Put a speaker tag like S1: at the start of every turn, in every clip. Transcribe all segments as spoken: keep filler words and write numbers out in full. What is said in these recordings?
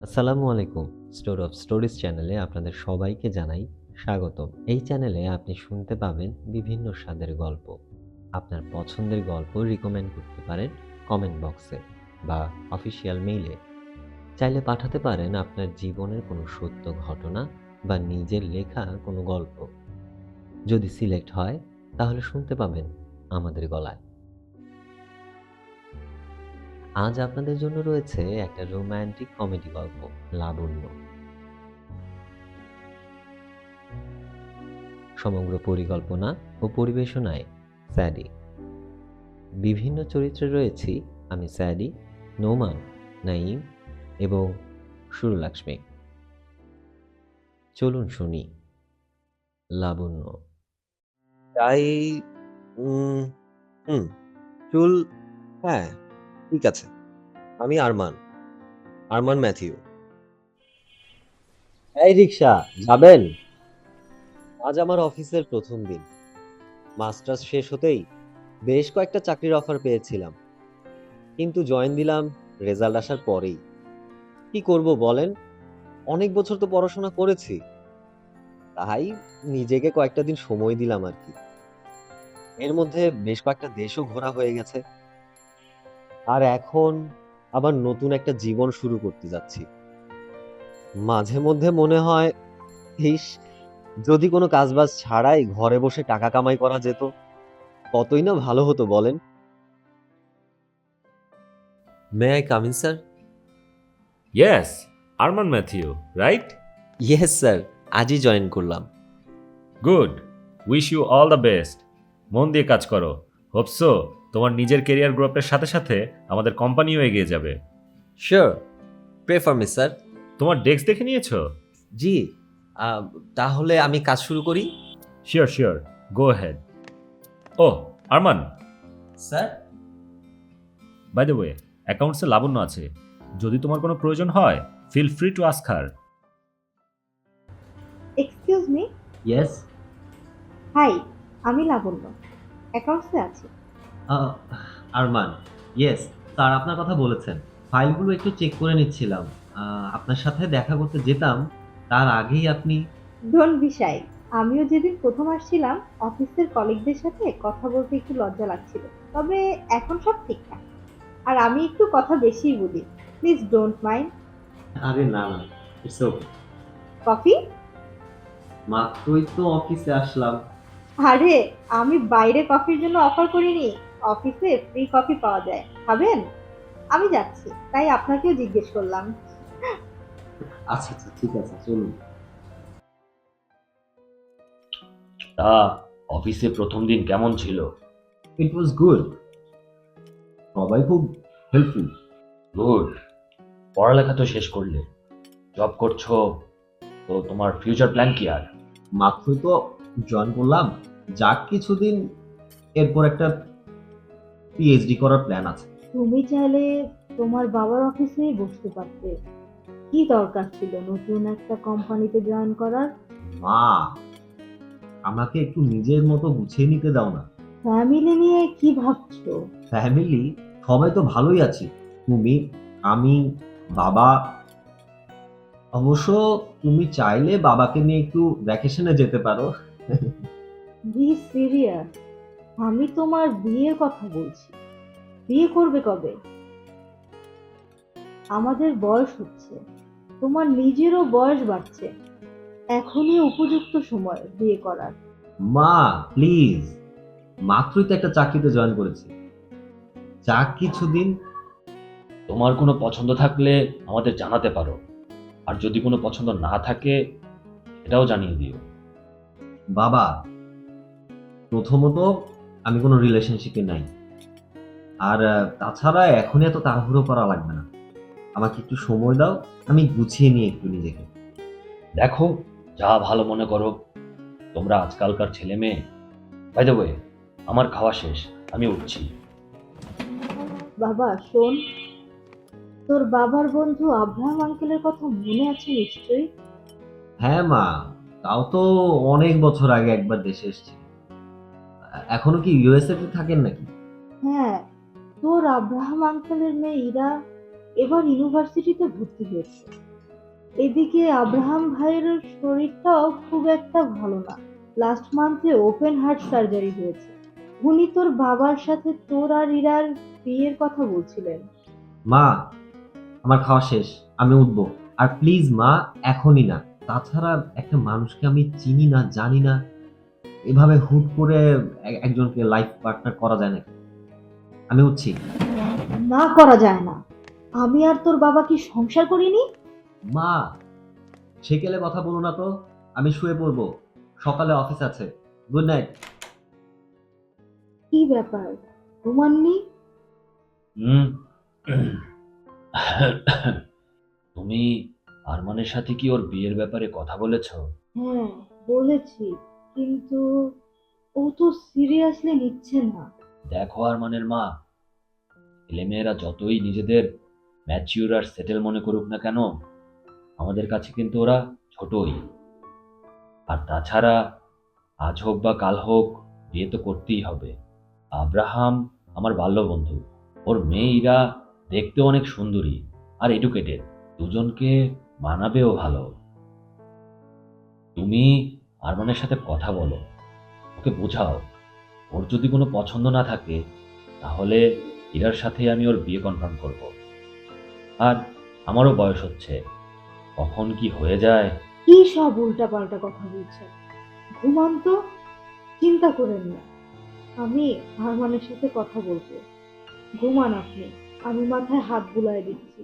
S1: আসসালামু আলাইকুম। Store of stories চ্যানেলে আপনাদের সবাইকে জানাই স্বাগতম। এই চ্যানেলে আপনি শুনতে পাবেন বিভিন্ন স্বাদের গল্প। আপনার পছন্দের গল্প রিকমেন্ড করতে পারেন কমেন্ট বক্সে বা অফিসিয়াল মেইলে। চাইলে পাঠাতে পারেন আপনার জীবনের কোনো সত্য ঘটনা বা নিজের লেখা কোনো গল্প। যদি সিলেক্ট হয় তাহলে শুনতে পাবেন আমাদের গলায়। আজ আপনাদের জন্য রয়েছে একটা রোমান্টিক কমেডি গল্প, লাবণ্য। সমগ্র পরিকল্পনা ও পরিবেশনায় স্যাডি। বিভিন্ন চরিত্রে রয়েছি আমি স্যাডি, নোমান, নাঈম এবং সুরলাক্ষ্মী। চলুন শুনি লাবণ্য।
S2: তাই উম হুম, চুল হ্যাঁ, ঠিক আছে। আমি আরমান, আরমান ম্যাথিউ। এই রিকশা, যাবেন? আজ আমার অফিসের প্রথম দিন। মাস্টার্স শেষ হতেই বেশ কয়েকটা চাকরির অফার পেয়েছিলাম। কিন্তু জয়েন দিলাম রেজাল্ট আসার পরেই। কি করব বলেন? অনেক বছর তো পড়াশোনা করেছি। তাই নিজেকে কয়েকটা দিন সময় দিলাম আরকি। এর মধ্যে বেশ কয়েকটা দেশও ঘোরা হয়ে গেছে। আর এখন আবার নতুন একটা জীবন শুরু করতে যাচ্ছি। মাঝে মধ্যে মনে হয়, ইস! যদি কোনো কাজবাজ ছাড়াই ঘরে বসে টাকা কামাই করা যেত, কতই না ভালো হতো বলেন? May I come in sir?
S3: Yes, Arman Matthew, right?
S2: Yes sir, আজই জয়েন করলাম।
S3: Good. Wish you all the best. মন দিয়ে কাজ করো। হোপ সো তোমার নিজের কেরিয়ার গ্রোথের সাথে সাথে আমাদের কোম্পানিও এগিয়ে যাবে।
S2: Sure, pray for me sir.
S3: তোমার ডেস্ক দেখে নিয়েছো?
S2: জি, আহ, তাহলে আমি কাজ শুরু করি?
S3: Sure sure, go head. O Arman,
S2: sir?
S3: By the way, অ্যাকাউন্টসে লাবণ্য আছে। যদি তোমার কোনো প্রয়োজন হয় feel free to ask her.
S4: Excuse me.
S1: Yes.
S4: High, আমি লাবণ্য, অ্যাকাউন্টসে আছি।
S1: আরমান। ইয়েস স্যার, আপনার কথা বলেছেন। ফাইলগুলো একটু চেক করে নিচ্ছিলাম। আহ, আপনার সাথে দেখা করতে যেতাম তার আগেই আপনি।
S4: Don't be shy. আমিও যেদিন প্রথম আসছিলাম অফিসের কলিগদের সাথে কথা বলতে একটু লজ্জা লাগছিল, তবে এখন সব ঠিকঠাক। আর আমি একটু কথা বেশিই বলি, প্লিজ ডোন্ট মাইন্ড।
S1: আরে না না, ইটস ওকে।
S4: কফি?
S1: মাত্রই তো অফিসে আসলাম।
S4: আরে, আমি বাইরে কফির জন্য অফার করিনি, অফিসে ফ্রি কফি পাওয়া যায়, খাবেন? আমি যাচ্ছি, তাই আপনাকেও জিজ্ঞেস করলাম।
S1: আচ্ছা আচ্ছা, ঠিক আছে, চলুন।
S5: তা অফিসে প্রথম দিন কেমন ছিল?
S1: ইট ওয়াজ গুড। সবাই খুব হেল্পফুল।
S5: গুড। পড়ালেখা তো শেষ করলে, জব করছো, তো তোমার ফিউচার প্ল্যান কি আর?
S1: মাত্রই তো জয়েন করলাম, যাক কিছুদিন, এরপর একটা পিএইচডি করার প্ল্যান আছে।
S4: তুমি চাইলে তোমার বাবার অফিসেই বসতে পারতে, কি দরকার ছিল নতুন একটা কোম্পানিতে জয়েন করার?
S1: মা, আমাকে একটু নিজের মতো গুছিয়ে নিতে দাও না।
S4: ফ্যামিলি নিয়ে কি ভাবছো?
S1: ফ্যামিলি সবাই তো ভালোই আছি। তুমি, আমি, বাবা। অবশ্য তুমি চাইলে বাবাকে নিয়ে একটু ভ্যাকেশনে যেতে পারো।
S4: বি সিরিয়াস, আমি তোমার বিয়ের কথা বলছি। বিয়ে করবে কবে? আমাদের বয়স হচ্ছে, তোমার নিজেরও বয়স বাড়ছে, এখনই উপযুক্ত সময় বিয়ে করার।
S1: মা প্লিজ, মাত্রই তো একটা চাকরিতে জয়েন করেছি, যাক কিছুদিন।
S5: তোমার কোনো পছন্দ থাকলে আমাদের জানাতে পারো, আর যদি কোনো পছন্দ না থাকে এটাও জানিয়ে দিও।
S1: বাবা, প্রথমত আমি কোনো রিলেশনশিপে নাই। আর আহ, তাছাড়া এখনই এত তাড়াহুড়ো করা লাগবে না। আমাকে একটু সময় দাও, আমি গুছিয়ে নিই একটু নিজেকে।
S5: দেখো, যা ভালো মনে করো। তোমরা আজকালকার ছেলে মেয়ে। বাই দ্য ওয়ে, আমার খাওয়া শেষ, আমি উঠছি।
S4: বাবা শোন, তোর বাবার বন্ধু আব্রাহাম আঙ্কেলের কথা মনে আছে নিশ্চয়ই?
S1: হ্যাঁ মা, তাও তো অনেক বছর আগে একবার দেশে এসেছি। এখনো কি ইউএসএ তে থাকেন নাকি?
S4: হ্যাঁ, তোর আব্রাহাম আঙ্কেলের মেয়ে ইরা এবার ইউনিভার্সিটিতে ভর্তি হয়েছে। এদিকে আব্রাহাম ভাইয়ের শরীরটাও খুব একটা ভালো না। লাস্ট মান্থে ওপেন হার্ট সার্জারি হয়েছে। উনি তোর বাবার সাথে তোর আর ইরার বিয়ের কথা বলছিলেন।
S2: মা, আমার খাওয়া শেষ, আমি উঠবো। আর প্লিজ মা, এখনই না। তাছাড়া একটা মানুষকে আমি চিনি না, জানি না, এভাবে হুট করে এ- একজনকে লাইফ পার্টনার করা যায় নাকি? আমি উঠছি।
S4: না, করা যায় না। আমি আর তোর বাবা কি সংসার করিনি?
S2: মা, সেকেলে কথা বলো না তো। আমি শুয়ে পড়বো, সকালে অফিস আছে। Good night.
S4: কি ব্যাপার, ঘুমাননি?
S5: হুম। তুমি আরমানের সাথে কি ওর বিয়ের ব্যাপারে কথা বলেছো?
S4: হ্যাঁ, বলেছি, কিন্তু ও তো সিরিয়াসলি নিচ্ছে না।
S5: দেখো আরমানের মা, ছেলেমেয়েরা যতই নিজেদের ম্যাচিউর আর সেটেল মনে করুক না কেন, আমাদের কাছে কিন্তু ওরা ছোটই। আর তাছাড়া আজ হোক বা কাল হোক বিয়ে তো করতেই হবে। আব্রাহাম আমার বাল্য বন্ধু, ওর মেয়ে ইরা দেখতে অনেক সুন্দরী আর এডুকেটেড, দুজনকে মানাবেও ভালো। তুমি আরমানের সাথে কথা বলো, ওকে বোঝাও, ওর যদি কোনো পছন্দ না থাকে তাহলে ইরার সাথে আমি ওর বিয়ে কনফার্ম করব। আর আমারও বয়স হচ্ছে, কখন কি হয়ে যায়।
S4: কি সব উল্টাপাল্টা কথা বলছেন? ঘুমান তো, চিন্তা করেন না। আমি হারমানের সাথে কথা বলবো। ঘুমান আপনি, আমি মাথায় হাত বুলায় দিচ্ছি।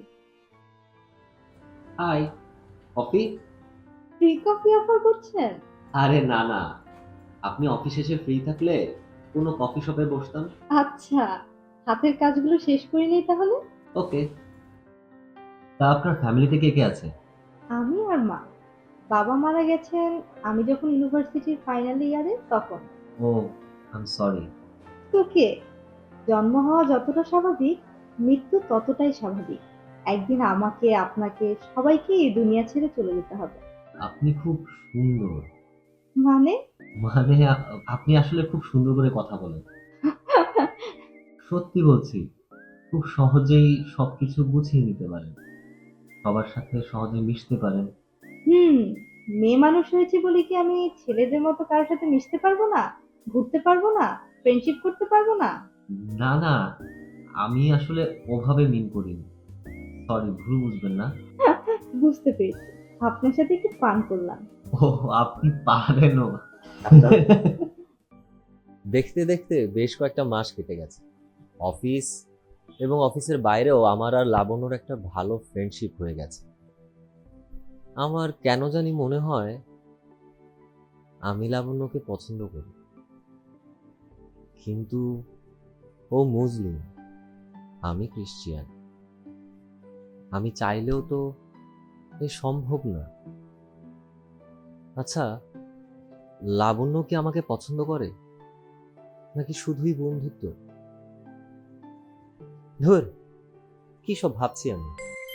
S2: High, coffee?
S4: Free coffee offer করছেন?
S2: আরে না না, আপনি অফিস শেষে ফ্রি থাকলে কোনো কফি শপে বসতাম।
S4: আচ্ছা, হাতের কাজগুলো শেষ করে নেই তাহলে।
S2: ওকে। তা আপনার ফ্যামিলিতে কে কে আছে?
S4: আমি আর মা। বাবা মারা গেছেন আমি যখন ইউনিভার্সিটির ফাইনাল ইয়ারে তখন।
S2: ও, আই এম সরি।
S4: তোকে, জন্ম হওয়া যতটা স্বাভাবিক, মৃত্যু ততটাই স্বাভাবিক। একদিন আমাকে, আপনাকে, সবাইকে এই দুনিয়া ছেড়ে চলে যেতে হবে।
S2: আপনি খুব সুন্দর।
S4: মানে?
S2: মানে আ- আপনি আসলে খুব সুন্দর করে কথা বলেন। সত্যি বলছি, খুব সহজেই সবকিছু গুছিয়ে নিতে পারেন, সবার সাথে সহজে মিশতে পারেন।
S4: হুম, মেয়ে মানুষ হয়েছে বলে কি আমি ছেলেদের মতো কারোর সাথে মিশতে পারবো না, ঘুরতে পারবো না, ফ্রেন্ডশিপ করতে পারবো না?
S2: না না, আমি আসলে ওভাবে মিন করিনি। সরি, ভুল বুঝবেন না।
S4: বুঝতে পেরেছি, আপনার সাথে একটু পান করলাম।
S2: ও, আপনি পারেনও। দেখতে দেখতে বেশ কয়েকটা মাস কেটে গেছে। অফিস এবং অফিসের বাইরেও আমার আর লাবণ্যর একটা ভালো ফ্রেন্ডশিপ হয়ে গেছে। আমার কেন জানি মনে হয় আমি লাবণ্যকে পছন্দ করি, কিন্তু ও মুসলিম, আমি খ্রিস্টিয়ান। আমি চাইলেও তো এ সম্ভব না। আচ্ছা, লাবণ্য কি আমাকে পছন্দ করে, নাকি শুধুই বন্ধুত্ব? ধুর, কি সব ভাবছি আমি।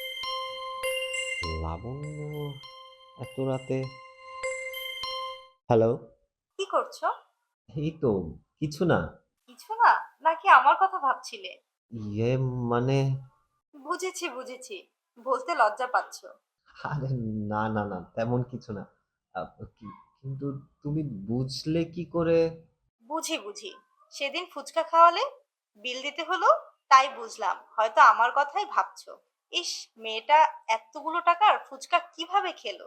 S2: লাবণ্য এত রাতে? হ্যালো।
S4: কি করছো?
S2: এই তো, কিছু না।
S4: কিছু না, নাকি আমার কথা ভাবছিলে?
S2: ইয়ে, মানে,
S4: বুঝেছি বুঝেছি, বলতে লজ্জা পাচ্ছো।
S2: আরে না না না, তেমন কিছু না। আহ, কি- কিন্তু তুমি বুঝলে কি করে?
S4: বুঝি বুঝি, সেদিন ফুচকা খাওয়ালে, বিল দিতে হলো, তাই বুঝলাম হয়তো আমার কথাই ভাবছো। ইস, মেয়েটা এতগুলো টাকার ফুচকা কিভাবে খেলো?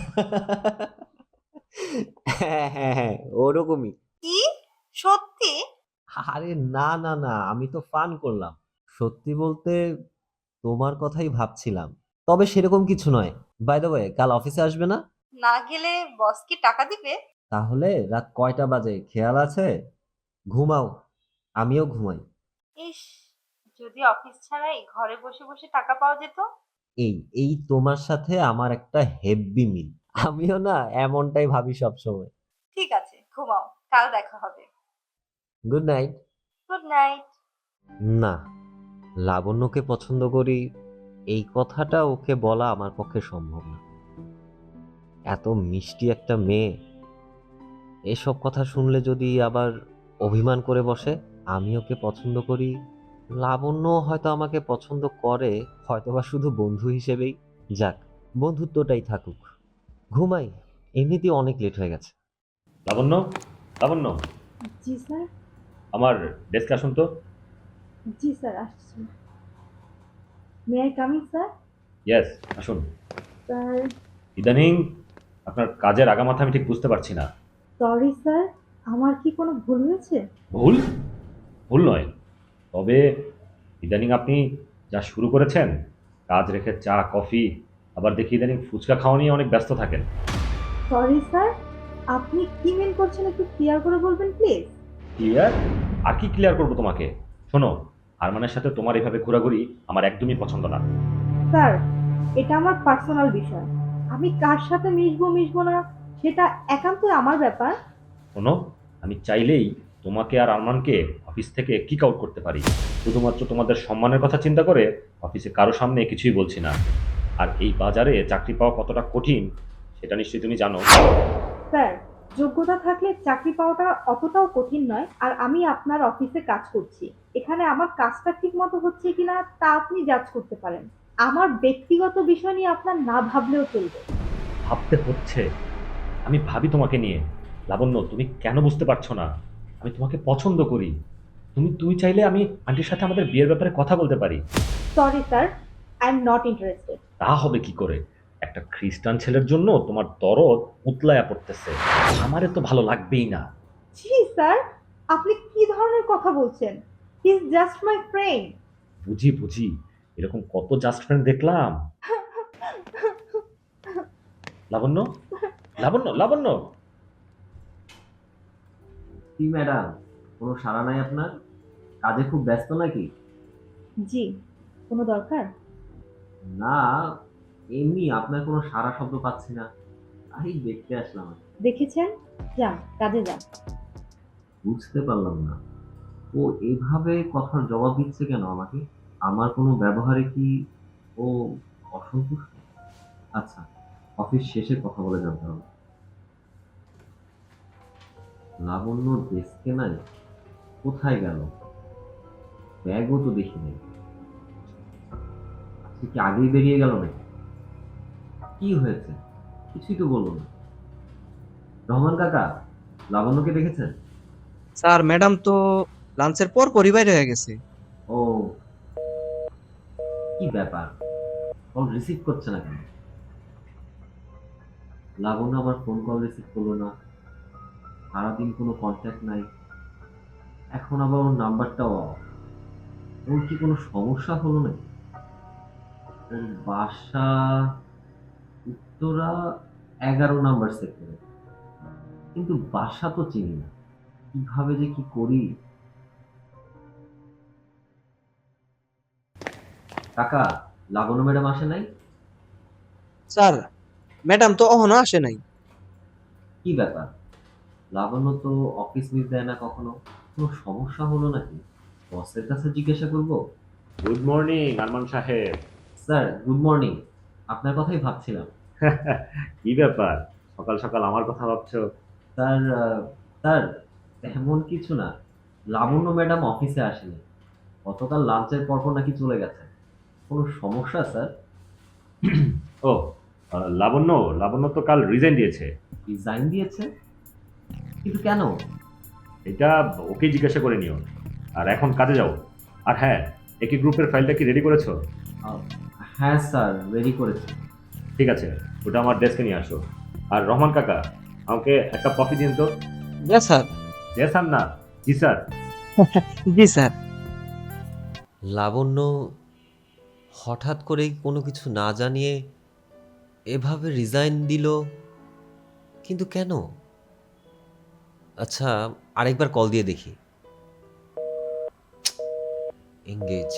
S2: হ্যাঁ হ্যাঁ হ্যাঁ, ওরকমই।
S4: কি, সত্যি?
S2: আরে না না না, আমি তো ফান করলাম। সত্যি বলতে তোমার কথাই ভাবছিলাম, তবে সেরকম কিছু নয়। বাই দ্য ওয়ে, কাল অফিসে আসবে না?
S4: না গেলে বস কি টাকা দিবে?
S2: তাহলে রাত কয়টা বাজে খেয়াল আছে? ঘুমাও, আমিও ঘুমাই।
S4: ইস, যদি অফিস ছাড়াই ঘরে বসে বসে টাকা পাওয়া যেত।
S2: এই এই তোমার সাথে আমার একটা হেব্বি মিল। আমিও না এমনটাই ভাবি সব সময়।
S4: ঠিক আছে, ঘুমাও, কাল দেখা হবে।
S2: Good night.
S4: Good night.
S2: না, লাবণ্যকে পছন্দ করি এই কথাটা ওকে বলা আমার পক্ষে সম্ভব না। এত মিষ্টি একটা মেয়ে, এসব কথা শুনলে যদি আবার অভিমান করে বসে। আমি ওকে পছন্দ করি, লাবণ্য হয়তো আমাকে পছন্দ করে, হয়তোবা শুধু বন্ধু হিসেবেই। যাক, বন্ধুত্বটাই থাকুক। ঘুমাই, এমনিতেই অনেক লেট হয়ে গেছে।
S3: লাবণ্য, লাবণ্য,
S4: জি স্যার।
S3: আমার ডেস্কে আসুন তো।
S4: জি স্যার, আসছি। May I coming sir?
S3: Yes, আসুন।
S4: স্যার,
S3: ইদানিং আপনার কাজের আগামাথা আমি ঠিক বুঝতে পারছি না।
S4: সরি স্যার, আমার কি কোনো ভুল হয়েছে?
S3: ভুল? ভুল নয়, তবে ইদানিং আপনি যা শুরু করেছেন, কাজ রেখে চা কফি, আবার দেখি ইদানিং ফুচকা খাওয়া নিয়ে অনেক ব্যস্ত থাকেন।
S4: সরি স্যার, আপনি কি মিন করছেন একটু ক্লিয়ার করে বলবেন প্লিজ?
S3: ক্লিয়ার? আর কি ক্লিয়ার করবো তোমাকে? শোনো, আরমানের সাথে তোমার এভাবে ঘোরাঘুরি আমার একদমই পছন্দ না।
S4: স্যার, এটা আমার পার্সোনাল বিষয়। আমি কার সাথে মিশবো মিশবো না সেটা একান্তই আমার ব্যাপার।
S3: শোনো, আমি চাইলেই তোমাকে আর আরমানকে অফিস থেকে কিক আউট করতে পারি। শুধুমাত্র তোমাদের সম্মানের কথা চিন্তা করে অফিসে কারো সামনে কিছুই বলছি না। আর এই বাজারে চাকরি পাওয়া কতটা কঠিন সেটা নিশ্চয়ই তুমি জানো।
S4: স্যার, যোগ্যতা থাকলে চাকরি পাওয়াটা অতটাও কঠিন নয়। আর আমি আপনার অফিসে কাজ করছি, এখানে আমার কাজটা ঠিক মতো হচ্ছে কিনা তা আপনি জাজ করতে পারেন। আমার ব্যক্তিগত বিষয় নিয়ে আপনার না ভাবলেও চলবে।
S3: ভাবতে হচ্ছে, আমি ভাবি তোমাকে নিয়ে। লাবণ্য, তুমি কেন বুঝতে পারছো না? আমি তোমাকে পছন্দ করি। তুমি তুমি চাইলে আমি আন্টির সাথে আমাদের বিয়ের ব্যাপারে কথা বলতে পারি।
S4: Sorry sir, I am not interested.
S3: তা হবে কি করে? একটা খ্রিস্টান ছেলের জন্য তোমার দরদ উতলায়া পড়তেছে। আমারে তো ভালো লাগবেই না।
S4: জি স্যার, আপনি কি ধরনের কথা বলছেন? He is just my friend.
S3: বুঝি বুঝি, এরকম কত জাস্ট ফ্রেন্ড দেখলাম। লাবণ্য, লাবণ্য, লাবণ্য।
S2: কি ম্যাডাম, কোনো সাড়া নাই আপনার? কাজে খুব ব্যস্ত নাকি?
S4: জি, কোনো দরকার?
S2: না, এমনি আপনার কোনো সাড়া শব্দ পাচ্ছি না, তাই দেখতে আসলাম।
S4: দেখেছেন? যান, কাজে যান।
S2: বুঝতে পারলাম না, ও এভাবে কথার জবাব দিচ্ছে কেন আমাকে? আমার কোনো ব্যবহারে কি ও অসন্তুষ্ট? আচ্ছা, অফিস শেষে কথা বলে জানতে হবে। লাবণ্য ডেস্কে নাই, কোথায় গেল? ব্যাগও তো দেখি নাই। আজকে কি আগেই বেরিয়ে গেল নাকি? কি হয়েছে? কিছুই তো বললো না। রহমান কাকা, লাবণ্যকে দেখেছেন?
S6: স্যার, ম্যাডাম তো লাঞ্চের পর পরই বাইরে হয়ে গেছে।
S2: ও, কি ব্যাপার, কল রিসিভ করছে না কেন? লাবণ্য আবার ফোন কল রিসিভ করলো না, সারাদিন কোনো কন্ট্যাক্ট নাই, এখন আবার ওর নাম্বারটাও off। ওর কি কোনো সমস্যা হলো নাকি? ওর বাসা উত্তরা এগারো নাম্বার সেক্টরে, কিন্তু বাসা তো চিনি না, কিভাবে যে কি করি। কাকা, লাবণ্য ম্যাডাম আসে নাই?
S6: স্যার, ম্যাডাম তো এখনো আসে নাই।
S2: কি ব্যাপার, লাবণ্য তো অফিস মিস দেয় না কখনো, কোনো সমস্যা হলো নাকি? বসের কাছে জিজ্ঞাসা করবো।
S3: গুড মর্নিং আরমান সাহেব।
S2: স্যার, গুড মর্নিং, আপনার কথাই ভাবছিলাম।
S3: কি ব্যাপার, সকাল সকাল আমার কথা ভাবছো?
S2: স্যার, আহ, স্যার, তেমন কিছু না, লাবণ্য ম্যাডাম অফিসে আসেনি, গতকাল লাঞ্চের পর পর নাকি চলে গেছে। কোনো সমস্যা স্যার?
S3: ও, আহ, লাবণ্য, লাবণ্য তো কাল রিজাইন দিয়েছে।
S2: রিজাইন দিয়েছে? কিন্তু কেন?
S3: এটা ওকে জিজ্ঞাসা করে নিও। আর এখন কাজে যাও। আর হ্যাঁ, একই গ্রুপের ফাইলটা কি রেডি করেছো?
S2: আহ, হ্যাঁ স্যার, রেডি করেছি।
S3: ঠিক আছে, ওটা আমার ডেস্কে নিয়ে আসো। আর রহমান কাকা, আমাকে একটা কফি দিন তো।
S6: জি স্যার।
S3: জি স্যার না, জি স্যার।
S6: জি স্যার।
S1: লাবণ্য হঠাৎ করেই কোনো কিছু না জানিয়ে এভাবে রিজাইন দিল, কিন্তু কেন? আচ্ছা, আরেকবার কল দিয়ে দেখি। এঙ্গেজ।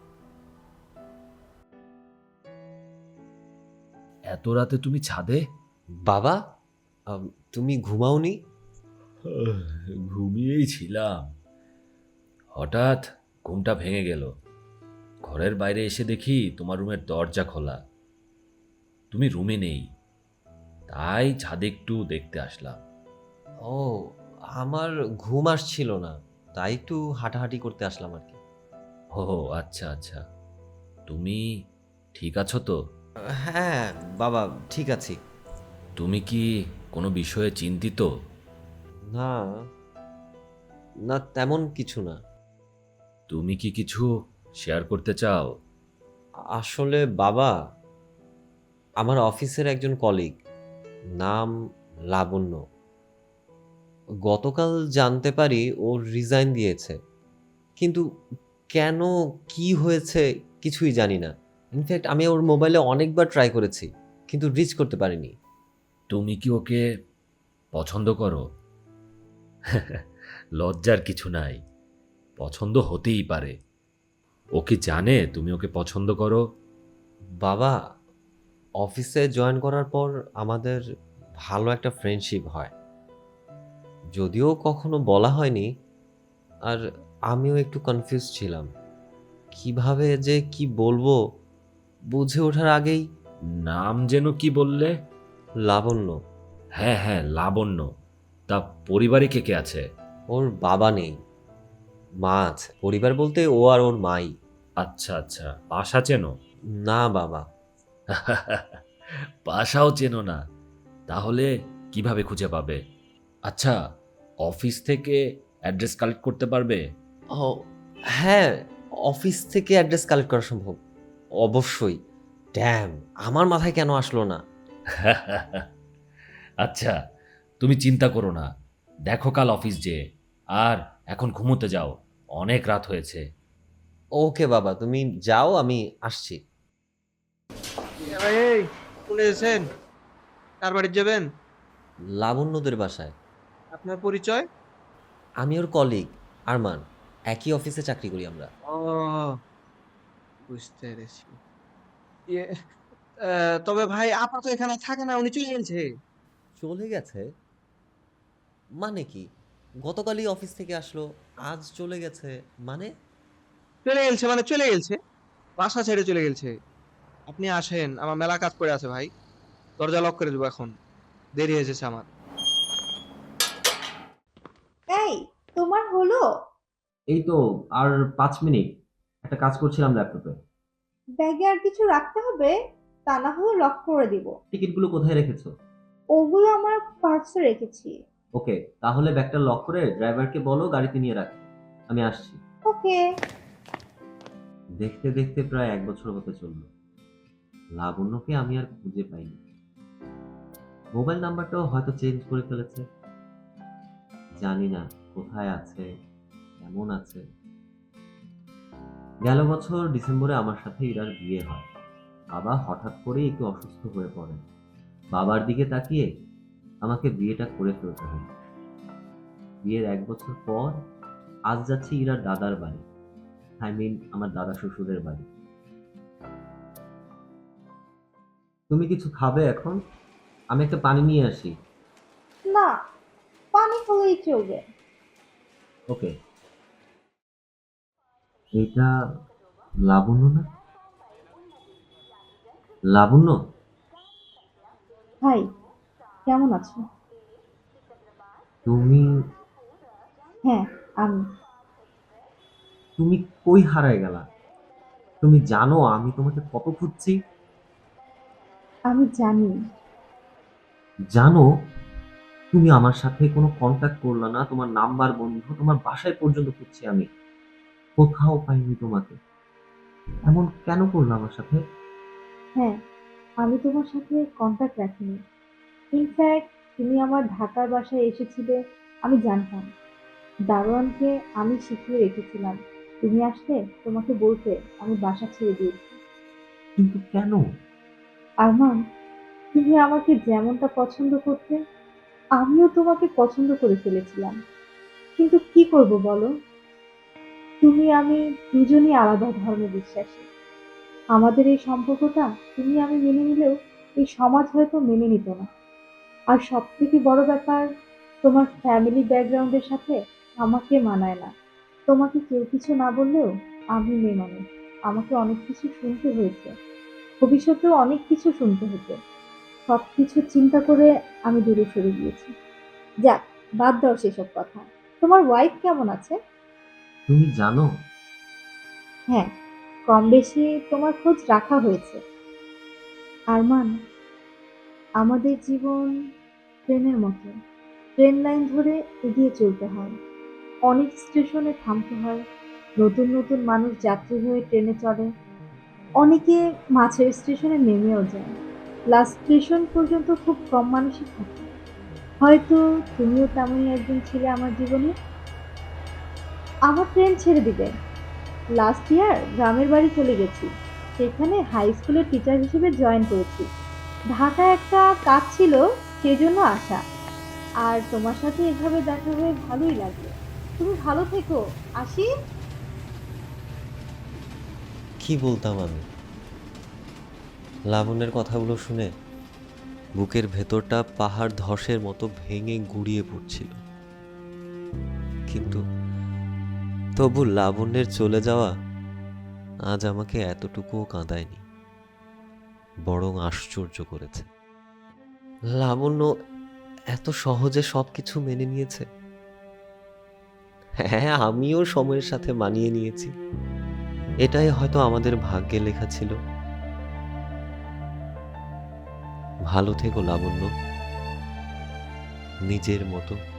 S3: এত রাতে তুমি ছাদে?
S1: বাবা, আম, তুমি ঘুমাওনি?
S3: ঘুমিয়েই ছিলাম, হঠাৎ ঘুমটা ভেঙে গেল। ঘরের বাইরে এসে দেখি তোমার রুমের দরজা খোলা, তুমি রুমে নেই, তাই ছাদে একটু দেখতে আসলাম।
S1: ও, আমার ঘুম আসছিল না, তাই একটু হাঁটাহাঁটি করতে আসলাম আর কি।
S3: ও আচ্ছা আচ্ছা, তুমি ঠিক আছো তো?
S2: হ্যাঁ বাবা, ঠিক আছি।
S5: তুমি কি কোনো বিষয়ে চিন্তিত?
S2: না, না তেমন কিছু না।
S5: তুমি কি কিছু শেয়ার করতে চাও?
S2: আসলে বাবা, আমার অফিসের একজন কলিগ, নাম লাবণ্য, গতকাল জানতে পারি ও রিজাইন দিয়েছে। কিন্তু কেন, কি হয়েছে কিছুই জানি না। ইনফ্যাক্ট আমি ওর মোবাইলে অনেকবার ট্রাই করেছি, কিন্তু রিচ করতে পারিনি।
S5: তুমি কি ওকে পছন্দ করো? লজ্জার কিছু নাই, পছন্দ হতেই পারে। ও কি জানে তুমি ওকে পছন্দ করো?
S2: বাবা, অফিসে জয়েন করার পর আমাদের ভালো একটা ফ্রেন্ডশিপ হয়, যদিও কখনো বলা হয়নি। আর আমিও একটু কনফিউজ ছিলাম, কিভাবে যে কি বলবো বুঝে ওঠার আগেই।
S5: নাম যেন কি বললে?
S2: লাবণ্য।
S5: হ্যাঁ হ্যাঁ, লাবণ্য। তা পরিবারে কে কে আছে?
S2: ওর বাবা নেই, মা আছে। পরিবার বলতে ও আর ওর মাই।
S5: আচ্ছা আচ্ছা, বাসা চেনো?
S2: না বাবা।
S5: বাসাও চেনো না? তাহলে কিভাবে খুঁজে পাবে? আচ্ছা, অফিস থেকে অ্যাড্রেস কালেক্ট করতে পারবে?
S2: ও হ্যাঁ, অফিস থেকে অ্যাড্রেস কালেক্ট করা সম্ভব, অবশ্যই। ড্যাম, আমার মাথায় কেন আসলো না।
S5: আচ্ছা, তুমি চিন্তা করো না, দেখো কাল অফিস যে। আর এখন ঘুমোতে যাও, অনেক রাত হয়েছে।
S2: ওকে বাবা, তুমি যাও, আমি আসছি।
S6: এই চলে এসেছেন? কার বাড়ি যাবেন?
S2: লাবণ্যদের বাসায়।
S6: আপনার পরিচয়?
S2: আমি ওর কলিগ, আরমান। একই অফিসে চাকরি করি আমরা।
S6: ও, বুঝতে পেরেছি। ইয়ে, আহ, তবে ভাই আপা তো এখানে থাকে না, উনি চলে গেছে।
S2: চলে গেছে মানে কি? গতকালই অফিস থেকে আসলো, আজ চলে গেছে মানে?
S6: চলে গেছে মানে চলে গেছে, বাসা ছেড়ে চলে গেছে। আপনি আসেন, আমার মেলা কাজ পড়ে আছে ভাই। দরজা লক করে দেবো এখন, দেরি হয়ে এসেছে আমার।
S4: এই, তোমার হলো?
S2: এই তো আর পাঁচ মিনিট, একটা কাজ করছিলাম ল্যাপটপে।
S4: ব্যাগে আর কিছু রাখতে হবে? তা না হলে লক করে দিব।
S2: টিকিটগুলো কোথায় রেখেছো?
S4: ওগুলো আমার পার্সে রেখেছি।
S2: ওকে, তাহলে ব্যাগটা লক করে ড্রাইভারকে বলো গাড়িতে নিয়ে রাখতে। আমি আসছি।
S4: ওকে।
S2: দেখতে দেখতে প্রায় এক বছর হতে চলল। লাবণ্যকে আমি আর খুঁজে পাইনি। মোবাইল নাম্বারটাও হয়তো চেঞ্জ করে ফেলেছে। জানি না কোথায় আছে, কেমন আছে। গেল বছর ডিসেম্বরে আমার সাথে ইরার বিয়ে হয়। বাবা হঠাৎ করে একটু অসুস্থ হয়ে পড়েন। বাবার দিকে তাকিয়ে আমাকে বিয়েটা করে ফেলতে হলো। বিয়ের এক বছর পর আজ যাচ্ছি ইরার দাদার বাড়ি, আই মিন আমার দাদা শ্বশুরের বাড়ি। তুমি কিছু খাবে এখন? আমি একটা পানি নিয়ে আসি।
S4: না, পানি হলেই চলবে।
S2: ওকে। এটা লাবণ্য না? লাবণ্য?
S4: ভাই, কেমন আছো?
S2: তুমি
S4: হ্যাঁ, আমি।
S2: তুমি কই হারায় গেলা? তুমি জানো আমি তোমাকে কত খুঁজছি?
S4: আমি জানি।
S2: জানো, তুমি আমার সাথে কোনো কন্ট্যাক্ট করলা না, তোমার নাম্বার বন্ধ, তোমার বাসায় পর্যন্ত খুঁজছি আমি, কোথাও পাইনি তোমাকে। এমন কেন করলো আমার সাথে?
S4: হ্যাঁ, আমি তোমার সাথে কন্টাক্ট রাখিনি। ইনফ্যাক্ট তুমি আমার ঢাকার বাসায় এসেছিলে, আমি জানতাম। দারোয়ানকে আমি শিখিয়ে রেখেছিলাম, তুমি আসলে তোমাকে বলতে আমি বাসা ছেড়ে দিয়েছি।
S2: কিন্তু কেন?
S4: আরমান, তুমি আমাকে যেমনটা পছন্দ করতে, আমিও তোমাকে পছন্দ করে ফেলেছিলাম। কিন্তু কি করব বলো, তুমি আমি দুজনই আলাদা ধর্মে বিশ্বাসী। আমাদের এই সম্পর্কটা তুমি আমি মেনে নিলেও এই সমাজ হয়তো মেনে নিত না। আর সব থেকে বড় ব্যাপার, তোমার ফ্যামিলি ব্যাকগ্রাউন্ডের সাথে আমাকে মানায় না। তোমাকে কেউ কিছু না বললেও আমি মেয়ে মানুষ, আমাকে অনেক কিছু শুনতে হয়েছে, ভবিষ্যতেও অনেক কিছু শুনতে হতো। সবকিছু চিন্তা করে আমি দূরে সরে গিয়েছি। যাক, বাদ দাও সেসব কথা। তোমার ওয়াইফ কেমন আছে?
S2: তুমি জানো,
S4: হ্যাঁ, কম বেশি তোমার খোঁজ রাখা হয়েছে। আরমান, আমাদের জীবন ট্রেনের মতো। ট্রেন লাইন ধরে এগিয়ে চলতে হয়, অনেক স্টেশনে থামতে হয়, নতুন নতুন মানুষ যাত্রী হয়ে ট্রেনে চড়ে, অনেকে মাঝের স্টেশনে নেমেও যায়। লাস্ট স্টেশন পর্যন্ত খুব কম মানুষই থাকে। হয়তো তুমিও তেমনই একজন ছিলে আমার জীবনে। আমার ট্রেন ছেড়ে দিবে। লাস্ট ইয়ার গ্রামের বাড়ি চলে গেছি, সেখানে হাই স্কুলের টিচার হিসেবে জয়েন করেছি। ঢাকায় একটা কাজ ছিল, সেজন্য আসা। আর তোমার সাথে এভাবে দেখা হয়ে ভালোই লাগলো। তুমি ভালো থেকো। আসি।
S2: কি বলতাম আমি? লাবণ্যের কথাগুলো শুনে বুকের ভেতরটা পাহাড় ধসের মতো ভেঙে গুড়িয়ে পড়ছিল। কিন্তু তবু লাবণ্যের চলে যাওয়া আজ আমাকে এতটুকুও কাঁদায়নি, বরং আশ্চর্য করেছে। লাবণ্য এত সহজে সবকিছু মেনে নিয়েছে। হ্যাঁ, আমিও সময়ের সাথে মানিয়ে নিয়েছি। এটাই হয়তো আমাদের ভাগ্যে লেখা ছিল। ভালো থেকো লাবণ্য, নিজের মতো।